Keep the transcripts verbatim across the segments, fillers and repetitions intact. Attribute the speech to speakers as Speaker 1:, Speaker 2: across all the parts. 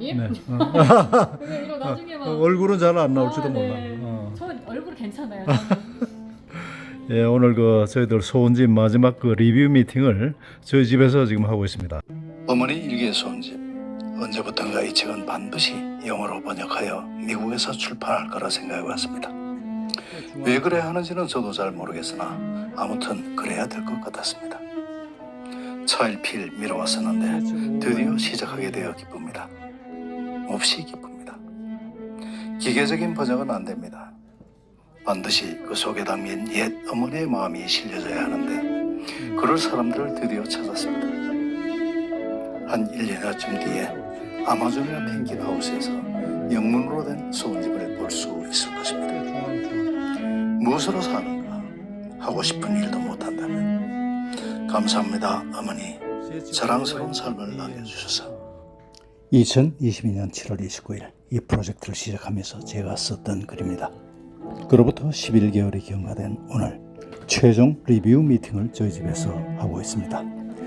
Speaker 1: 선생님.
Speaker 2: 네. 어.
Speaker 1: 그게 이거 나중에 막
Speaker 2: 얼굴은 잘 안 나올지도
Speaker 1: 아,
Speaker 2: 몰라.
Speaker 1: 네.
Speaker 2: 어.
Speaker 1: 저 얼굴 괜찮아요. 저는.
Speaker 2: 예, 오늘 그 저희들 소원집 마지막 그 리뷰 미팅을 저희 집에서 지금 하고 있습니다. 어머니 일기 소원집. 언제부턴가 이 책은 반드시 영어로 번역하여 미국에서 출판할 거라 생각해 왔습니다. 왜 그래야 하는지는 저도 잘 모르겠으나 아무튼 그래야 될 것 같았습니다. 차일피일 미뤄왔었는데 드디어 시작하게 되어 기쁩니다. 몹시 기쁩니다. 기계적인 번역은 안 됩니다. 반드시 그 속에 담긴 옛 어머니의 마음이 실려져야 하는데 그럴 사람들을 드디어 찾았습니다. 한 일 년여쯤 뒤에 아마존이나 펭귄하우스에서 영문으로 된 소원집을 볼 수 있을 것입니다. 무엇으로 사는가? 하고 싶은 일도 못한다면 감사합니다 어머니. 자랑스러운 삶을 남겨주셔서. 이천이십이 년 칠월 이십구일 이 프로젝트를 시작하면서 제가 썼던 글입니다. 그로부터 십일 개월이 경과된 오늘 최종 리뷰 미팅을 저희 집에서 하고 있습니다.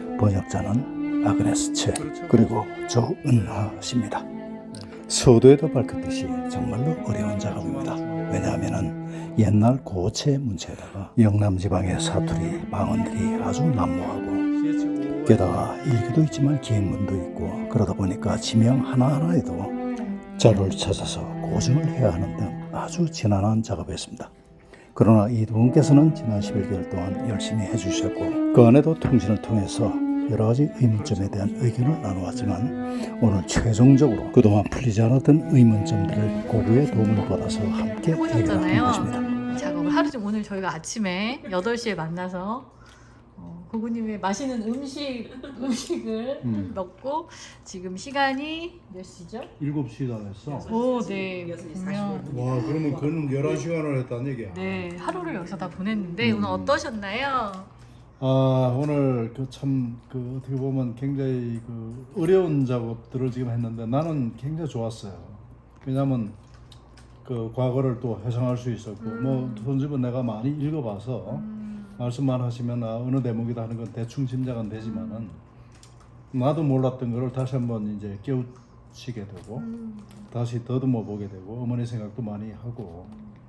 Speaker 2: 번역자는 아그네스 채 그리고 조은하 씨입니다. 서두에도 밝혔듯이 정말로 어려운 작업입니다. 왜냐하면 옛날 고체 문체에다가 영남 지방의 사투리, 방언들이 아주 난무하고 게다가 일기도 있지만 기행문도 있고 그러다 보니까 지명 하나하나에도 자료를 찾아서 고증을 해야 하는 등 아주 지난한 작업이었습니다. 그러나 이 두 분께서는 지난 십일 개월 동안 열심히 해주셨고 그 안에도 통신을 통해서 여러 가지 의문점에 대한 의견을 나누었지만 오늘 최종적으로 그동안 풀리지 않았던 의문점들을 고구의 도움을 받아서 함께 해결할 것입니다.
Speaker 1: 작업을 하루 종 오늘 저희가 아침에 여덟 시에 만나서 어, 고구님의 맛있는 음식 음식을
Speaker 2: 음.
Speaker 1: 먹고 지금 시간이 몇 시죠?
Speaker 2: 일곱 시다 했어.
Speaker 1: 오, 네. 보면
Speaker 2: 와, 그러면 그는 열한 시간을 했다는 얘기야.
Speaker 1: 네 하루를 여기서 다 보냈는데
Speaker 2: 음.
Speaker 1: 오늘 어떠셨나요?
Speaker 2: 아, 오늘 그 참 그 어떻게 보면 굉장히 그 어려운 작업들을 지금 했는데 나는 굉장히 좋았어요. 왜냐하면 그 과거를 또 회상할 수 있었고
Speaker 1: 음.
Speaker 2: 뭐 손집은 내가 많이 읽어봐서
Speaker 1: 음.
Speaker 2: 말씀만 하시면 아, 어느 대목이다 하는 건 대충 짐작은 되지만은 나도 몰랐던 거를 다시 한번 이제 깨우치게 되고
Speaker 1: 음.
Speaker 2: 다시 더듬어 보게 되고 어머니 생각도 많이 하고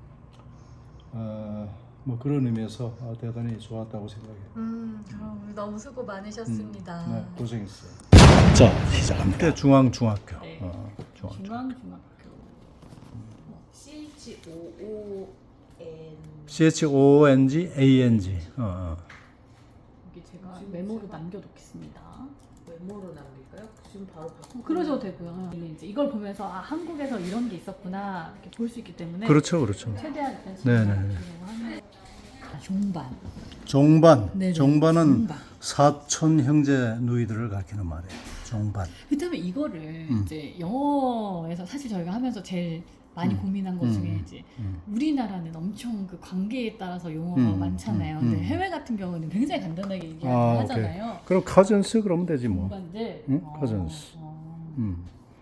Speaker 2: 어, 뭐 그런 의미에서 아, 대단히 좋았다고 생각해요.
Speaker 1: 음, 어, 너무 수고 많으셨습니다.
Speaker 2: 음, 네, 고생했어요. 자, 시작합니다. 중앙 중학교.
Speaker 1: 네.
Speaker 2: 어, 중앙.
Speaker 1: 중앙중학교
Speaker 3: C H O O N
Speaker 2: C H O N G A N G. 어, 어.
Speaker 1: 여기 제가 메모로 남겨놓겠습니다.
Speaker 3: 메모로 남길까요? 지금 바로 바꾸고
Speaker 1: 그러셔도 되고요. 이제 이걸 보면서 아 한국에서 이런 게 있었구나 이렇게 볼 수 있기 때문에
Speaker 2: 그렇죠, 그렇죠.
Speaker 1: 최대한 일단
Speaker 2: 네네.
Speaker 1: 하는 종반.
Speaker 2: 종반.
Speaker 1: 네네.
Speaker 2: 종반은
Speaker 1: 종반.
Speaker 2: 사촌 형제 누이들을 가리키는 말이에요. 종반.
Speaker 1: 그다음에 이거를
Speaker 2: 음.
Speaker 1: 이제 영어에서 사실 저희가 하면서 제일 많이
Speaker 2: 음.
Speaker 1: 고민한 것
Speaker 2: 음.
Speaker 1: 중에 이제
Speaker 2: 음.
Speaker 1: 우리나라는 엄청 그 관계에 따라서 용어가
Speaker 2: 음.
Speaker 1: 많잖아요.
Speaker 2: 음.
Speaker 1: 근데
Speaker 2: 음.
Speaker 1: 해외 같은 경우는 굉장히 간단하게 얘기하긴
Speaker 2: 아, 오케이.
Speaker 1: 하잖아요.
Speaker 2: 그럼 카전스 그러면 되지 뭐.
Speaker 1: 종반들.
Speaker 2: 응?
Speaker 1: 어,
Speaker 2: cousins.
Speaker 1: 어.
Speaker 2: 음.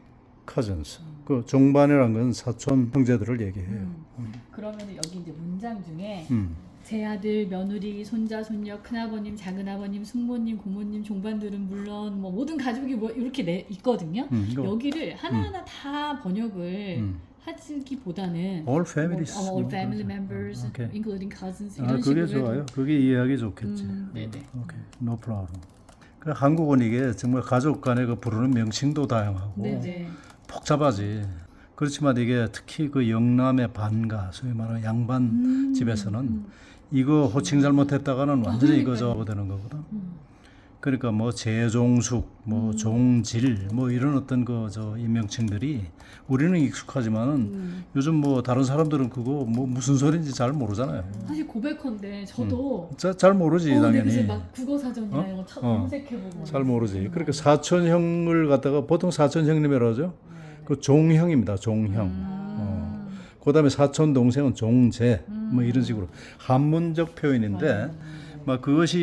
Speaker 2: 카전스. 그 종반이라는 건 사촌 형제들을 얘기해요.
Speaker 1: 음. 그러면 여기 이제 문장 중에
Speaker 2: 음.
Speaker 1: 제 아들, 며느리, 손자, 손녀, 큰아버님, 작은아버님, 숙모님, 고모님, 종반들은 물론 뭐 모든 가족이 뭐 이렇게 내, 있거든요.
Speaker 2: 음, 이거
Speaker 1: 여기를 하나하나 다 번역을
Speaker 2: 음.
Speaker 1: 하기보다는
Speaker 2: all families.
Speaker 1: 뭐, 어, all
Speaker 2: 뭐
Speaker 1: family
Speaker 2: 그러죠.
Speaker 1: members,
Speaker 2: 어, 오케이.
Speaker 1: including cousins
Speaker 2: 아,
Speaker 1: 이런
Speaker 2: 그게
Speaker 1: 식으로
Speaker 2: 좋아요.
Speaker 1: 해도
Speaker 2: 그게 이해하기 좋겠지.
Speaker 1: 음, 네네.
Speaker 2: 오케이, no problem. 그 한국은 이게 정말 가족 간에 그 부르는 명칭도 다양하고
Speaker 1: 네네.
Speaker 2: 복잡하지. 그렇지만 이게 특히 그 영남의 반가, 소위 말하는 양반
Speaker 1: 음,
Speaker 2: 집에서는
Speaker 1: 음,
Speaker 2: 이거 호칭 잘못했다가는 완전히 이거
Speaker 1: 그러니까요.
Speaker 2: 저거 되는 거거든.
Speaker 1: 음.
Speaker 2: 그러니까 뭐 재종숙, 뭐
Speaker 1: 음.
Speaker 2: 종질, 뭐 이런 어떤 그 저 인명칭들이 우리는 익숙하지만은
Speaker 1: 음.
Speaker 2: 요즘 뭐 다른 사람들은 그거 뭐 무슨 소리인지 잘 모르잖아요.
Speaker 1: 사실 고백컨대 저도
Speaker 2: 자, 잘 모르지
Speaker 1: 어, 네,
Speaker 2: 당연히.
Speaker 1: 그래서 막 국어사전이나
Speaker 2: 어?
Speaker 1: 이런 거 쳐-
Speaker 2: 어.
Speaker 1: 검색해보고
Speaker 2: 잘 모르지. 그러니까 사촌형을 갖다가 보통 사촌형님이라고 하죠. 그 종형입니다. 종형. 어. 그다음에 사촌 동생은 종제. 뭐 이런 식으로 한문적 표현인데 막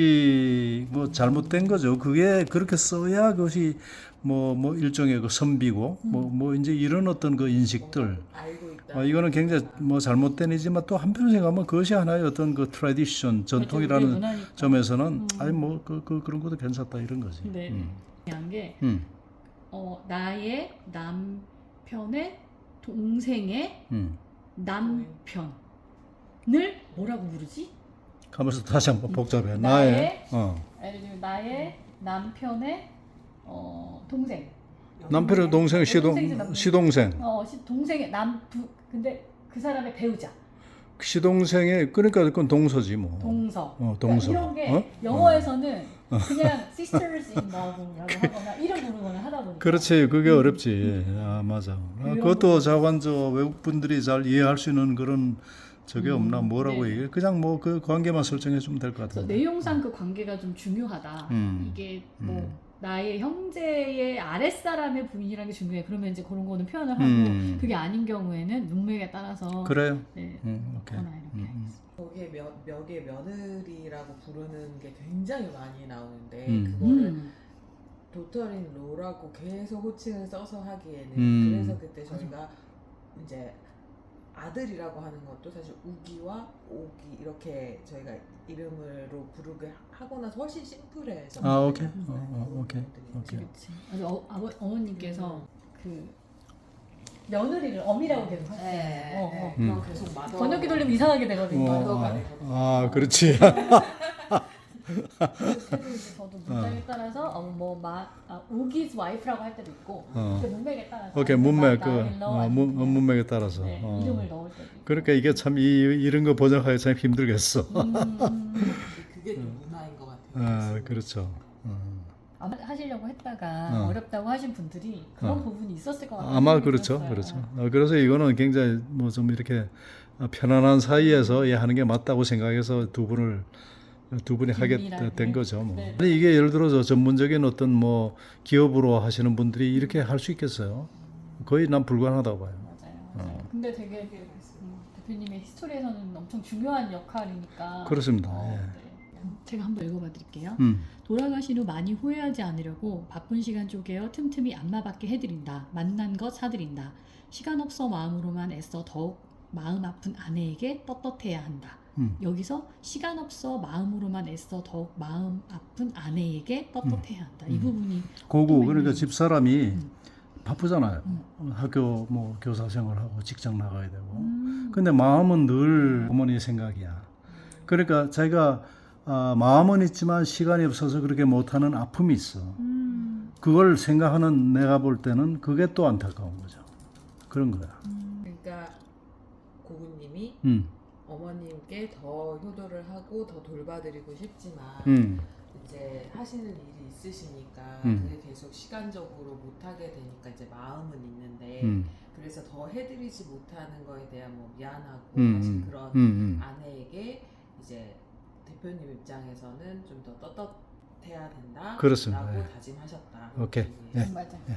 Speaker 2: 그것이 뭐 잘못된 거죠. 그게 그렇게 써야 그것이 뭐 뭐 일종의 그 선비고 뭐 뭐 이제 이런 어떤 그 인식들.
Speaker 3: 알고 있다.
Speaker 2: 어, 이거는 굉장히 뭐 잘못된 이지만 또 한편으로 생각하면 그것이 하나의 어떤 그 트래디션 전통이라는
Speaker 1: 우리의 문화니까.
Speaker 2: 점에서는 아니 뭐 그 그 그런 것도 괜찮다 이런 거지.
Speaker 1: 네.
Speaker 2: 음.
Speaker 1: 중요한 게
Speaker 2: 음.
Speaker 1: 어, 나의 남편의 동생의
Speaker 2: 음.
Speaker 1: 남편을 뭐라고 부르지?
Speaker 2: 가면서 다시 한번 복잡해.
Speaker 1: 나의-
Speaker 2: 나의 어.
Speaker 1: 예를 들면 나의 남편의 어, 동생.
Speaker 2: 남편의 동생 시동
Speaker 1: 동생이지, 남편.
Speaker 2: 시동생.
Speaker 1: 어, 시- 동생의 남부 근데 그 사람의 배우자.
Speaker 2: 시동생의 그러니까 그건 동서지 뭐.
Speaker 1: 동서.
Speaker 2: 어, 동서.
Speaker 1: 그러니까 이런 게
Speaker 2: 어?
Speaker 1: 영어에서는 그냥 sisters in love라고 하거나 이름 부르거나 하다 보니까.
Speaker 2: 그렇지, 그게 어렵지. 아, 맞아. 아,
Speaker 1: 그런
Speaker 2: 그것도
Speaker 1: 부분이
Speaker 2: 자관 저 외국 분들이 잘 이해할 수 있는 그런 저게
Speaker 1: 음,
Speaker 2: 없나 뭐라고
Speaker 1: 네.
Speaker 2: 얘기해. 그냥 뭐 그 관계만 설정해 주면 될 것
Speaker 1: 그래서
Speaker 2: 같은데.
Speaker 1: 내용상 그 관계가 좀 중요하다.
Speaker 2: 음.
Speaker 1: 이게 뭐
Speaker 2: 음.
Speaker 1: 나의 형제의 아랫사람의 부인이라는 게 중요해. 그러면 이제 그런 거는 표현을 하고
Speaker 2: 음.
Speaker 1: 그게 아닌 경우에는 문맥에 따라서
Speaker 2: 그래요.
Speaker 1: 네,
Speaker 2: 음, 오케이.
Speaker 1: 거나 이렇게
Speaker 2: 음, 음.
Speaker 1: 하겠습니다.
Speaker 3: 거기에 며, 멱의 며느리라고 부르는 게 굉장히 많이 나오는데
Speaker 2: 음.
Speaker 3: 그거를
Speaker 1: 음.
Speaker 3: 도터린 로라고 계속 호칭을 써서 하기에는
Speaker 2: 음.
Speaker 3: 그래서 그때 저희가 이제 아들이라고 하는 것도 사실 우기와 오기 이렇게 저희가 이름으로 부르게 하고 나서 훨씬 심플해서
Speaker 2: 아, 오케이.
Speaker 3: 음.
Speaker 2: 어, 어, 오케이. 오케이.
Speaker 1: 그렇지. 아주 어, 아버, 어머님께서
Speaker 3: 음.
Speaker 1: 그 며느리를 어미라고 계속 하세요.
Speaker 3: 네,
Speaker 1: 어, 어.
Speaker 3: 네.
Speaker 2: 음.
Speaker 3: 그건 계속 마더
Speaker 1: 번역기 돌리면 이상하게 되거든요.
Speaker 3: 어.
Speaker 2: 아, 아, 그렇지.
Speaker 1: 그래서 이제 저도 문맥에 따라서 어, 뭐마 아, 우기's wife라고 할 때도 있고
Speaker 2: 어.
Speaker 1: 그 문맥에 따라서
Speaker 2: 오케이, 문맥 그
Speaker 1: 나-
Speaker 2: 어,
Speaker 1: 나일러
Speaker 2: 문,
Speaker 1: 아니면
Speaker 2: 문맥에 따라서.
Speaker 1: 네,
Speaker 2: 어.
Speaker 1: 이름을 넣을 때도 있고.
Speaker 2: 그러니까 이게 참 이, 이런 거 번역하기 참 힘들겠어.
Speaker 1: 음,
Speaker 3: 그게 좀 문화인 것 같아요.
Speaker 2: 아, 그렇죠. 어.
Speaker 1: 아마 하시려고 했다가
Speaker 2: 어.
Speaker 1: 어렵다고 하신 분들이 그런
Speaker 2: 어.
Speaker 1: 부분이 있었을 것 같아요.
Speaker 2: 아마 그렇죠, 그렇죠. 어, 그래서 이거는 굉장히 뭐 좀 이렇게 편안한 사이에서 예, 하는 게 맞다고 생각해서 두 분을 두 분이 하게
Speaker 1: 긴밀하게.
Speaker 2: 된 거죠. 뭐.
Speaker 1: 네.
Speaker 2: 아니 이게 예를 들어서 전문적인 어떤 뭐 기업으로 하시는 분들이 이렇게 할 수 있겠어요? 거의 난 불가능하다고 봐요.
Speaker 1: 맞아요. 맞아요.
Speaker 2: 어.
Speaker 1: 근데 되게 음, 대표님의 히스토리에서는 엄청 중요한 역할이니까.
Speaker 2: 그렇습니다.
Speaker 1: 어,
Speaker 2: 예.
Speaker 1: 네. 제가 한번 읽어봐 드릴게요.
Speaker 2: 음,
Speaker 1: 돌아가신 후 많이 후회하지 않으려고 바쁜 시간 쪼개어 틈틈이 안마받게 해드린다. 만난 것 사드린다. 시간 없어 마음으로만 애써 더욱 마음 아픈 아내에게 떳떳해야 한다.
Speaker 2: 음.
Speaker 1: 여기서 시간 없어 마음으로만 애써 더욱 마음 아픈 아내에게 떳떳해야 한다. 이
Speaker 2: 음.
Speaker 1: 부분이
Speaker 2: 고구
Speaker 1: 또
Speaker 2: 그러니까
Speaker 1: 왠지-
Speaker 2: 집사람이
Speaker 1: 음.
Speaker 2: 바쁘잖아요.
Speaker 1: 음.
Speaker 2: 학교 뭐 교사 생활하고 직장 나가야 되고.
Speaker 1: 음.
Speaker 2: 근데 마음은 늘 어머니 생각이야. 그러니까 자기가 아, 마음은 있지만 시간이 없어서 그렇게 못하는 아픔이 있어.
Speaker 1: 음.
Speaker 2: 그걸 생각하는 내가 볼 때는 그게 또 안타까운 거죠. 그런 거야.
Speaker 1: 음.
Speaker 3: 그러니까 고구님이
Speaker 2: 음,
Speaker 3: 어머님께 더 효도를 하고 더 돌봐드리고 싶지만
Speaker 2: 음,
Speaker 3: 이제 하시는 일이 있으시니까
Speaker 2: 음.
Speaker 3: 그게 계속 시간적으로 못하게 되니까 이제 마음은 있는데
Speaker 2: 음,
Speaker 3: 그래서 더 해드리지 못하는 거에 대한 뭐 미안하고
Speaker 2: 음,
Speaker 3: 사실
Speaker 2: 음,
Speaker 3: 그런
Speaker 2: 음, 음.
Speaker 3: 아내에게 이제 대표님 입장에서는 좀 더 떳떳해야 된다
Speaker 2: 그렇습니다.
Speaker 3: 라고
Speaker 2: 예.
Speaker 3: 다짐하셨다.
Speaker 2: 오케이. 예.
Speaker 1: 맞아요.
Speaker 2: 예.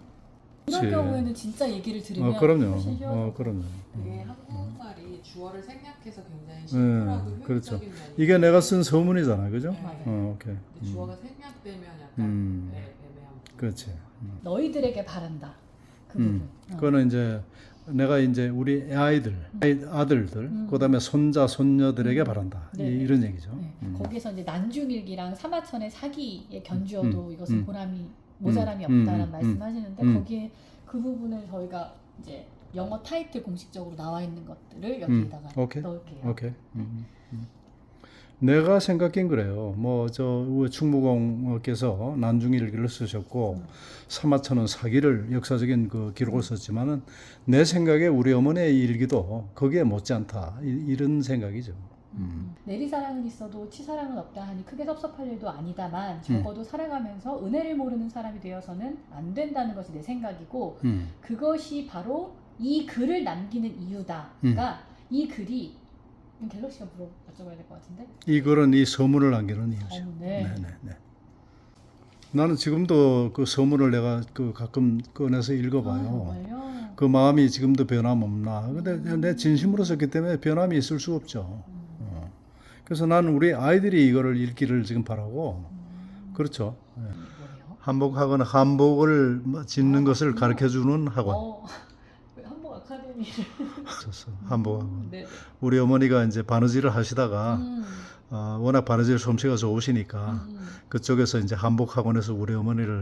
Speaker 1: 그런
Speaker 2: 그치.
Speaker 1: 경우에는 진짜 얘기를 들으면
Speaker 2: 어, 그럼요.
Speaker 1: 훨씬 쉬워져.
Speaker 2: 어, 그럼요.
Speaker 3: 그게
Speaker 2: 음.
Speaker 3: 한국말이 주어를 생략해서 굉장히 심플하고
Speaker 2: 음, 그렇죠.
Speaker 3: 효율적인 면이
Speaker 2: 이게 내가 쓴 서문이잖아, 그죠?
Speaker 3: 네.
Speaker 1: 맞아요.
Speaker 2: 어, 오케이.
Speaker 3: 근데
Speaker 2: 음,
Speaker 3: 주어가 생략되면 약간
Speaker 2: 음.
Speaker 3: 애- 애매한 부분.
Speaker 2: 그렇지. 음.
Speaker 1: 너희들에게 바란다. 그
Speaker 2: 음.
Speaker 1: 부분. 어.
Speaker 2: 그거는 이제 내가 이제 우리 아이들, 아이- 아들들,
Speaker 1: 음.
Speaker 2: 그다음에 손자, 손녀들에게 바란다.
Speaker 1: 네.
Speaker 2: 이, 이런 얘기죠.
Speaker 1: 네.
Speaker 2: 음.
Speaker 1: 거기서 이제 난중일기랑 사마천의 사기에 견주어도
Speaker 2: 음,
Speaker 1: 이것은
Speaker 2: 음.
Speaker 1: 보람이 모자람이
Speaker 2: 음,
Speaker 1: 없다라는
Speaker 2: 음,
Speaker 1: 말씀하시는데
Speaker 2: 음.
Speaker 1: 거기에 그 부분을 저희가 이제 영어 타이틀 공식적으로 나와 있는 것들을 여기다가
Speaker 2: 음, 오케이.
Speaker 1: 넣을게요.
Speaker 2: 오케이. 음, 음. 내가 생각엔 그래요. 뭐 저 충무공께서 난중일기를 쓰셨고
Speaker 1: 음.
Speaker 2: 사마천은 사기를 역사적인 그 기록을 썼지만은 내 생각에 우리 어머니의 일기도 거기에 못지않다. 이, 이런 생각이죠. 음.
Speaker 1: 내리사랑은 있어도 치사랑은 없다 하니 크게 섭섭할 일도
Speaker 2: 음.
Speaker 1: 아니다만 적어도 살아가면서 은혜를 모르는 사람이 되어서는 안 된다는 것이 내 생각이고
Speaker 2: 음.
Speaker 1: 그것이 바로 이 글을 남기는 이유다.
Speaker 2: 음.
Speaker 1: 그러니까 이 글이 갤럭 씨가 물어 여쭤봐야 될 것 같은데.
Speaker 2: 이거는 이 서문을 남기는 이유죠.
Speaker 1: 어, 네.
Speaker 2: 네, 네, 네. 나는 지금도 그 서문을 내가 그 가끔 꺼내서
Speaker 1: 아,
Speaker 2: 읽어봐요.
Speaker 1: 정말요?
Speaker 2: 그 마음이 지금도 변함없나. 근데
Speaker 1: 음.
Speaker 2: 내 진심으로 썼기 때문에 변함이 있을 수 없죠.
Speaker 1: 음.
Speaker 2: 어. 그래서 나는 우리 아이들이 이거를 읽기를 지금 바라고.
Speaker 1: 음.
Speaker 2: 그렇죠. 예.
Speaker 1: 뭐예요?
Speaker 2: 한복학원 한복을 짓는
Speaker 1: 아,
Speaker 2: 것을
Speaker 1: 그렇구나.
Speaker 2: 가르쳐주는 학원.
Speaker 1: 어, 한복 아카데미를.
Speaker 2: 있었어. 한복학원.
Speaker 1: 네.
Speaker 2: 우리 어머니가 이제 바느질을 하시다가
Speaker 1: 음.
Speaker 2: 어, 워낙 바느질 솜씨가 좋으시니까
Speaker 1: 음.
Speaker 2: 그쪽에서 이제 한복학원에서 우리 어머니를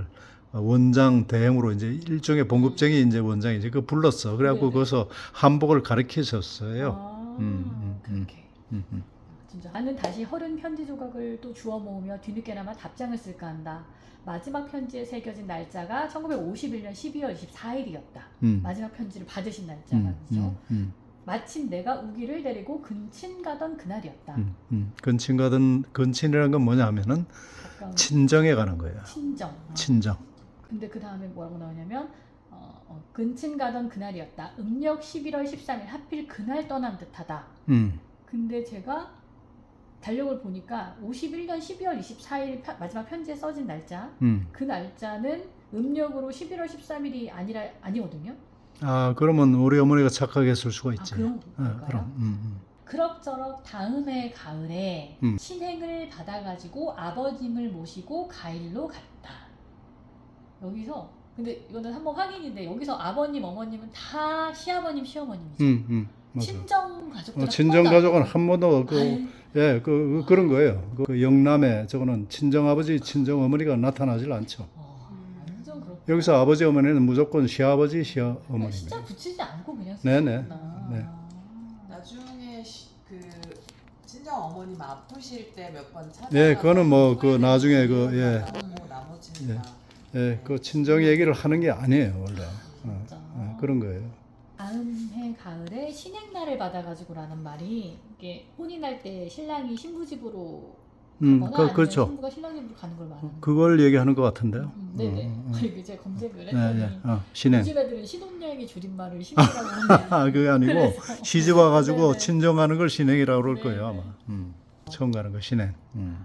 Speaker 2: 원장 대행으로 이제 일종의 봉급쟁이 이제 원장이지 그 불렀어. 그래갖고
Speaker 1: 네네.
Speaker 2: 거기서 한복을 가르치셨어요.
Speaker 1: 아,
Speaker 2: 음, 음, 음.
Speaker 1: 그렇게.
Speaker 2: 음, 음.
Speaker 1: 진짜 나는 다시 허른 편지 조각을 또 주워 모으며 뒤늦게나마 답장을 쓸까 한다. 마지막 편지에 새겨진 날짜가 천구백오십일 년 십이월 이십사일이었다.
Speaker 2: 음.
Speaker 1: 마지막 편지를 받으신 날짜가
Speaker 2: 음,
Speaker 1: 그죠?
Speaker 2: 음, 음,
Speaker 1: 마침 내가 우기를 데리고 근친 가던 그날이었다.
Speaker 2: 음, 음. 근친 가든 근친이라는 건 뭐냐면은
Speaker 1: 가까운
Speaker 2: 친정에 가는 거예요.
Speaker 1: 친정. 어.
Speaker 2: 친정.
Speaker 1: 근데 그 다음에 뭐라고 나오냐면 어, 어, 근친 가던 그날이었다. 음력 십일월 십삼일 하필 그날 떠난 듯하다.
Speaker 2: 음.
Speaker 1: 근데 제가 달력을 보니까 오십일 년 십이월 이십사일 편- 마지막 편지에 써진 날짜
Speaker 2: 음.
Speaker 1: 그 날짜는 음력으로 십일월 십삼일이 아니라 아니거든요.
Speaker 2: 아 그러면 우리 어머니가 착하게 했을 수가
Speaker 1: 아
Speaker 2: 있지.
Speaker 1: 그런
Speaker 2: 어,
Speaker 1: 건가요?
Speaker 2: 그럼. 음,
Speaker 1: 그럭저럭 다음 해 가을에
Speaker 2: 음.
Speaker 1: 신행을 받아가지고 아버님을 모시고 가일로 갔다. 여기서 근데 이거는 한번 확인인데 여기서 아버님 어머님은 다 시아버님 시어머님이죠.
Speaker 2: 음, 음. 맞아.
Speaker 1: 친정 가족들
Speaker 2: 어, 친정 가족은 한 번도 그 예, 그, 그 그런 거예요. 그, 그 영남에 저거는 친정 아버지, 친정 어머니가 나타나질 않죠.
Speaker 1: 어, 완전 그렇구나.
Speaker 2: 여기서 아버지 어머니는 무조건 시아버지, 시어머니네.
Speaker 1: 진짜 붙이지 않고 그냥
Speaker 2: 네네.
Speaker 1: 쓰셨구나.
Speaker 2: 네.
Speaker 3: 나중에 시, 그 친정 어머님 아프실 때 몇 번 찾아.
Speaker 2: 네, 그거는 뭐그 나중에 그, 예.
Speaker 3: 나오고 나머지는
Speaker 2: 예.
Speaker 3: 다.
Speaker 2: 예, 그 친정 얘기를 하는 게 아니에요, 원래. 어,
Speaker 1: 진짜.
Speaker 2: 어, 그런 거예요.
Speaker 1: 다음 해 가을에 신행날을 받아가지고라는 말이 이게 혼인할 때 신랑이 신부 집으로
Speaker 2: 음,
Speaker 1: 가거나
Speaker 2: 그,
Speaker 1: 아니면
Speaker 2: 그렇죠.
Speaker 1: 신부가 신랑 집으로 가는 걸 말하는.
Speaker 2: 그걸 얘기하는 것 같은데요.
Speaker 1: 음, 네네.
Speaker 2: 음, 음,
Speaker 1: 그리고 이제 검색을
Speaker 2: 네,
Speaker 1: 했더니
Speaker 2: 네. 어, 신행.
Speaker 1: 요즘 애들은 신혼여행의 줄임말을 신행이라고 하는데
Speaker 2: 아, 그게 아니고
Speaker 1: 그래서-
Speaker 2: 시집 와가지고
Speaker 1: 네네.
Speaker 2: 친정 가는 걸 신행이라고 그럴
Speaker 1: 네네.
Speaker 2: 거예요, 아마. 음, 처음 가는 거 신행. 음.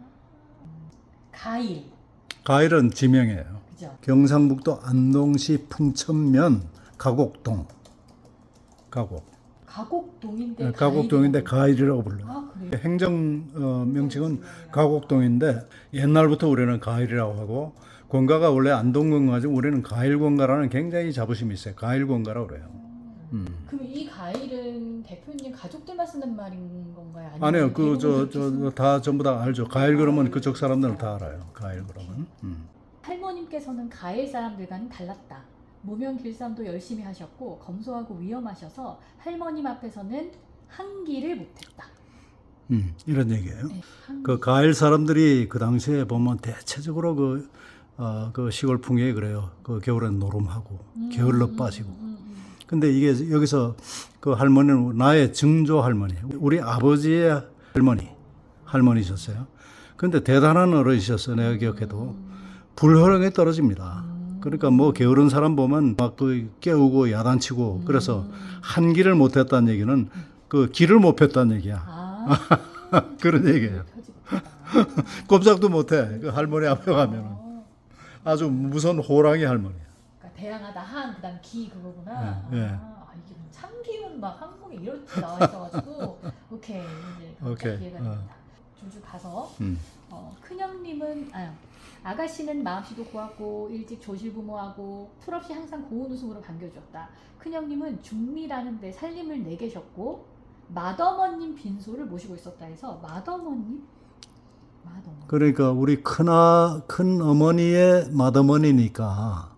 Speaker 1: 가일
Speaker 2: 가일은 지명이에요.
Speaker 1: 그죠?
Speaker 2: 경상북도 안동시 풍천면 가곡동. 가곡.
Speaker 1: 가곡동인데
Speaker 2: 네, 가곡동인데 가일이라고 불러요.
Speaker 1: 아 그래요?
Speaker 2: 행정 어, 명칭은 가곡동인데 옛날부터 우리는 가일이라고 하고 권가가 원래 안동권가지고 우리는 가일권가라는 굉장히 자부심이 있어요. 가일권가라고 그래요. 음.
Speaker 1: 그럼 이 가일은 대표님 가족들만 쓰는 말인 건가요? 아니면
Speaker 2: 아니요, 그 저
Speaker 1: 대부분
Speaker 2: 저
Speaker 1: 그렇게
Speaker 2: 다 전부 다 알죠. 가일 그러면 그쪽 사람들은 다 알아요. 가일 그러면. 음.
Speaker 1: 할머님께서는 가일 사람들과는 달랐다. 무명 길쌈도 열심히 하셨고 검소하고 위험하셔서 할머님 앞에서는 한기를 못했다.
Speaker 2: 음, 이런 얘기예요.
Speaker 1: 네, 한기.
Speaker 2: 그 가일 사람들이 그 당시에 보면 대체적으로 그, 어, 그 시골 풍경이 그래요. 그 겨울엔 노름하고
Speaker 1: 음,
Speaker 2: 게을러
Speaker 1: 음,
Speaker 2: 빠지고.
Speaker 1: 음, 음.
Speaker 2: 근데 이게 여기서 그 할머니는 나의 증조 할머니, 우리 아버지의 할머니, 할머니셨어요. 근데 대단한 어른이셨어요. 내가 기억해도. 불효령에 떨어집니다. 그러니까 뭐 게으른 사람 보면 막 그 깨우고 야단치고 그래서 한 길을 못했다는 얘기는 그 길을 못 폈다는 얘기야.
Speaker 1: 아,
Speaker 2: 그런 얘기예요.
Speaker 1: 펴지겠다.
Speaker 2: 꼼짝도 못해. 그 할머니 앞에 가면은
Speaker 1: 어,
Speaker 2: 아주 무서운 호랑이 할머니야.
Speaker 1: 그러니까 대항하다 한 그다음 기 그거구나.
Speaker 2: 예, 예.
Speaker 1: 아, 아, 이게 참기운 막 한국에 이렇게 나와 있어가지고 오케이 이제
Speaker 2: 오케이.
Speaker 1: 이해가
Speaker 2: 어.
Speaker 1: 됩니다. 줄줄 가서
Speaker 2: 음.
Speaker 1: 어, 큰형님은 아, 아가씨는 마음씨도 고왔고 일찍 조실부모하고 풀없이 항상 고운 웃음으로 반겨주었다. 큰형님은 중리라는 데 살림을 내계셨고 맏어머님 빈소를 모시고 있었다 해서 맏어머님? 맏어머니
Speaker 2: 그러니까 우리 큰아 큰 어머니의 맏어머니니까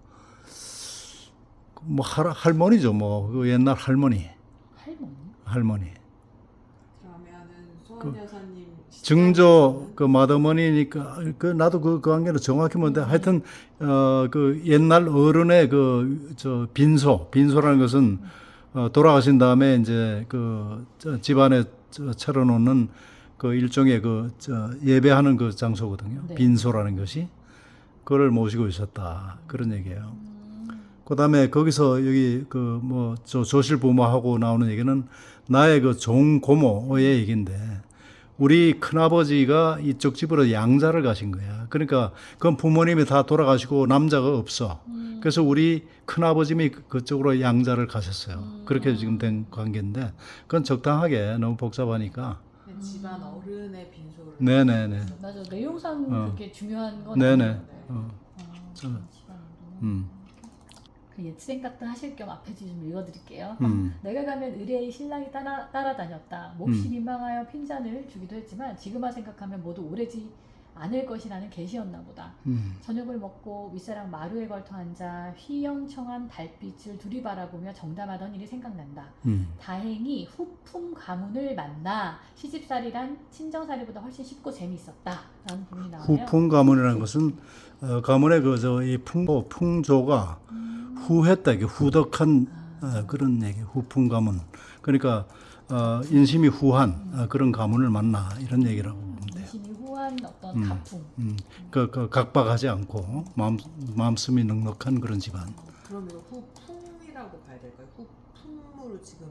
Speaker 2: 뭐 할, 할머니죠. 뭐 그 옛날 할머니,
Speaker 1: 할머니?
Speaker 2: 할머니.
Speaker 3: 그러면은 소원 여사님
Speaker 2: 증조 그 맏어머니니까 그 나도 그, 그 관계는 정확히 뭔데 하여튼 어 그 옛날 어른의 그 저 빈소 빈소라는 것은 어, 돌아가신 다음에 이제 그 저 집안에 저 차려놓는 그 일종의 그 저 예배하는 그 장소거든요.
Speaker 1: 네.
Speaker 2: 빈소라는 것이 그걸 모시고 있었다 그런 얘기예요.
Speaker 1: 음,
Speaker 2: 그다음에 거기서 여기 그 뭐 저 조실 부모하고 나오는 얘기는 나의 그 종고모의 얘기인데 우리 큰아버지가 이쪽 집으로 양자를 가신 거야. 그러니까 그건 부모님이 다 돌아가시고 남자가 없어.
Speaker 1: 음,
Speaker 2: 그래서 우리 큰아버님이 그- 그쪽으로 양자를 가셨어요.
Speaker 1: 음.
Speaker 2: 그렇게 지금 된 관계인데 그건 적당하게 너무 복잡하니까.
Speaker 3: 그 집안 어른의 빈소를.
Speaker 2: 네네네.
Speaker 1: 맞아 내용상
Speaker 2: 어.
Speaker 1: 그렇게 중요한 건
Speaker 2: 네네.
Speaker 1: 아니에요.
Speaker 2: 어,
Speaker 1: 아,
Speaker 2: 저-
Speaker 1: 집안으로.
Speaker 2: 음,
Speaker 1: 그 옛 생각도 하실 겸 앞에 좀 읽어드릴게요.
Speaker 2: 음,
Speaker 1: 내가 가면 의뢰의 신랑이 따라, 따라다녔다. 몹시
Speaker 2: 음.
Speaker 1: 민망하여 핀잔을 주기도 했지만 지금만 생각하면 모두 오래지 않을 것이라는 계시였나 보다.
Speaker 2: 음.
Speaker 1: 저녁을 먹고 윗사랑 마루에 걸터 앉아 휘영청한 달빛을 둘이 바라보며 정담하던 일이 생각난다.
Speaker 2: 음.
Speaker 1: 다행히 후품 가문을 만나 시집살이란 친정살이보다 훨씬 쉽고 재미있었다. 라는 부분이 나와요.
Speaker 2: 후풍 가문이라는 것은 어, 가문의 그저이 풍 풍조가
Speaker 1: 음.
Speaker 2: 후했다, 이게 후덕한
Speaker 1: 아.
Speaker 2: 어, 그런 얘기. 후풍 가문. 그러니까 어, 인심이 후한 어, 그런 가문을 만나 이런 얘기라고 보면 돼요.
Speaker 1: 인심이 후한 어떤
Speaker 2: 음.
Speaker 1: 가풍.
Speaker 2: 음, 그, 그 각박하지 않고 마음 마음씀이 넉넉한 그런 집안.
Speaker 3: 그럼 이거 후품이라고 봐야 될까요? 후품으로 지금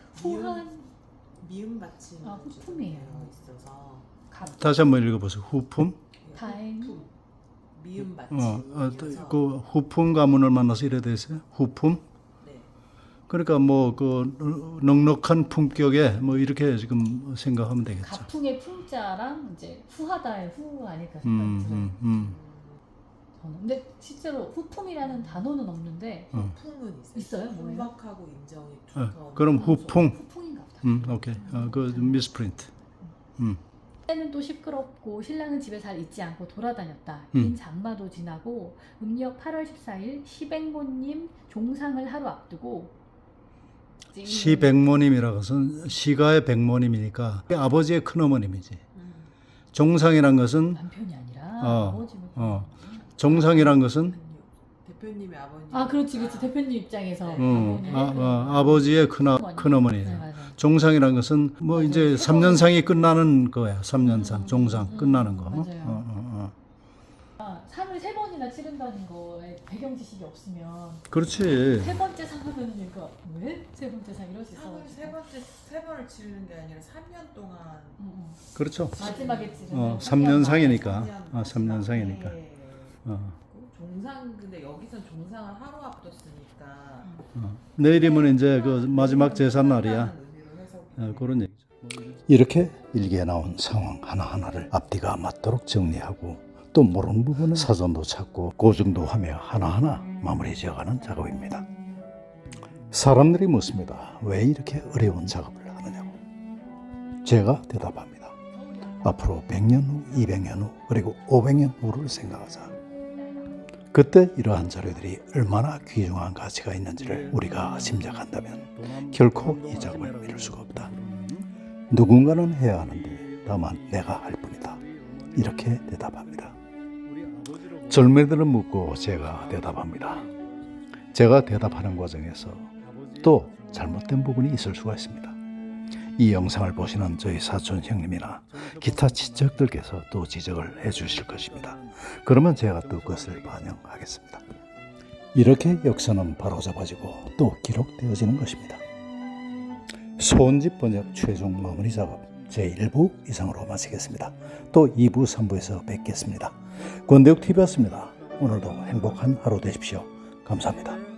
Speaker 1: 후한
Speaker 3: 미음 받침이
Speaker 1: 아, 후품이에요.
Speaker 3: 되어 있어서
Speaker 1: 가
Speaker 2: 다시 한번 읽어보세요. 후품.
Speaker 1: 다행.
Speaker 3: 후품, 미음
Speaker 2: 어, 어,
Speaker 3: 받침이어서
Speaker 2: 그 후품 가문을 만나서 이래 되세요. 후품.
Speaker 3: 네.
Speaker 2: 그러니까 뭐 그 넉넉한 품격에 뭐 이렇게 지금 생각하면 되겠죠.
Speaker 1: 가풍의 풍자랑 이제 후하다의 후 아닐까 생각이
Speaker 2: 음,
Speaker 1: 들어요.
Speaker 2: 음, 음.
Speaker 1: 저는. 근데 실제로 후품이라는 단어는 없는데
Speaker 2: 어.
Speaker 3: 후품은 있어요.
Speaker 1: 있어요? 뭐예요?
Speaker 3: 훈박하고 인정이
Speaker 2: 어,
Speaker 3: 두터운
Speaker 2: 그럼
Speaker 3: 훈수.
Speaker 2: 후풍.
Speaker 1: 후풍인가 보다.
Speaker 2: 음, 오케이. 어, 그 미스프린트. 음.
Speaker 1: 때는 또 시끄럽고 신랑은 집에 잘 있지 않고 돌아다녔다.
Speaker 2: 음.
Speaker 1: 긴 장마도 지나고 음력 팔월 십사일 시백모님 종상을 하루 앞두고 이제 이-
Speaker 2: 시백모님이라고 것은 시가의 백모님이니까 아버지의 큰어머님이지.
Speaker 3: 음.
Speaker 2: 종상이란 것은
Speaker 1: 남편이 아니라
Speaker 2: 어,
Speaker 1: 아버지를
Speaker 2: 어. 종상이란 것은
Speaker 3: 대표님의 아버님.
Speaker 1: 아 그렇지 그렇지 대표님 입장에서
Speaker 2: 음,
Speaker 1: 아버님의
Speaker 2: 아,
Speaker 1: 그-
Speaker 2: 아, 아버지의 큰아,
Speaker 1: 네,
Speaker 2: 큰어머니예요.
Speaker 1: 맞아요.
Speaker 2: 종상이란 것은 뭐
Speaker 1: 맞아요.
Speaker 2: 이제 삼 년상이 끝나는 거야. 삼 년상,
Speaker 1: 음,
Speaker 2: 종상
Speaker 1: 음,
Speaker 2: 끝나는 거.
Speaker 1: 맞아요.
Speaker 2: 어, 어, 어.
Speaker 1: 아, 상을 세 번이나 치른다는 거에 배경 지식이 없으면
Speaker 2: 그렇지.
Speaker 1: 세 번째 상 하면은 이거 왜 세 번째 상 이럴 수
Speaker 3: 상을
Speaker 1: 있어.
Speaker 3: 세 번째 세 번을 치르는 게 아니라 삼 년 동안
Speaker 2: 그렇죠.
Speaker 1: 마지막에 치르는
Speaker 2: 어,
Speaker 1: 삼
Speaker 2: 삼 년
Speaker 1: 년
Speaker 2: 상이니까.
Speaker 3: 삼 년
Speaker 2: 아, 삼 년 상이니까.
Speaker 3: 네.
Speaker 2: 어.
Speaker 3: 종상 근데 여기선 종상을 하루 앞뒀으니까
Speaker 2: 어. 내일이면 이제 그 마지막 제삿 날이야. 어, 그런 얘기죠. 이렇게 일기에 나온 상황 하나하나를 앞뒤가 맞도록 정리하고 또 모르는 부분은 사전도 찾고 고증도 하며 하나하나 마무리 지어가는 작업입니다. 사람들이 묻습니다. 왜 이렇게 어려운 작업을 하느냐고. 제가 대답합니다. 앞으로 백 년 후, 이백 년 후, 그리고 오백 년 후를 생각하자. 그때 이러한 자료들이 얼마나 귀중한 가치가 있는지를 우리가 짐작한다면 결코 이 작업을 미룰 수가 없다. 누군가는 해야 하는데 다만 내가 할 뿐이다. 이렇게 대답합니다. 젊은이들은 묻고 제가 대답합니다. 제가 대답하는 과정에서 또 잘못된 부분이 있을 수가 있습니다. 이 영상을 보시는 저희 사촌 형님이나 기타 친척들께서 또 지적을 해 주실 것입니다. 그러면 제가 또 그것을 반영하겠습니다. 이렇게 역사는 바로잡아지고 또 기록되어지는 것입니다. 소원집 번역 최종 마무리 작업 제일 부 이상으로 마치겠습니다. 또 이 부, 삼 부에서 뵙겠습니다. 권대욱티비였습니다. 오늘도 행복한 하루 되십시오. 감사합니다.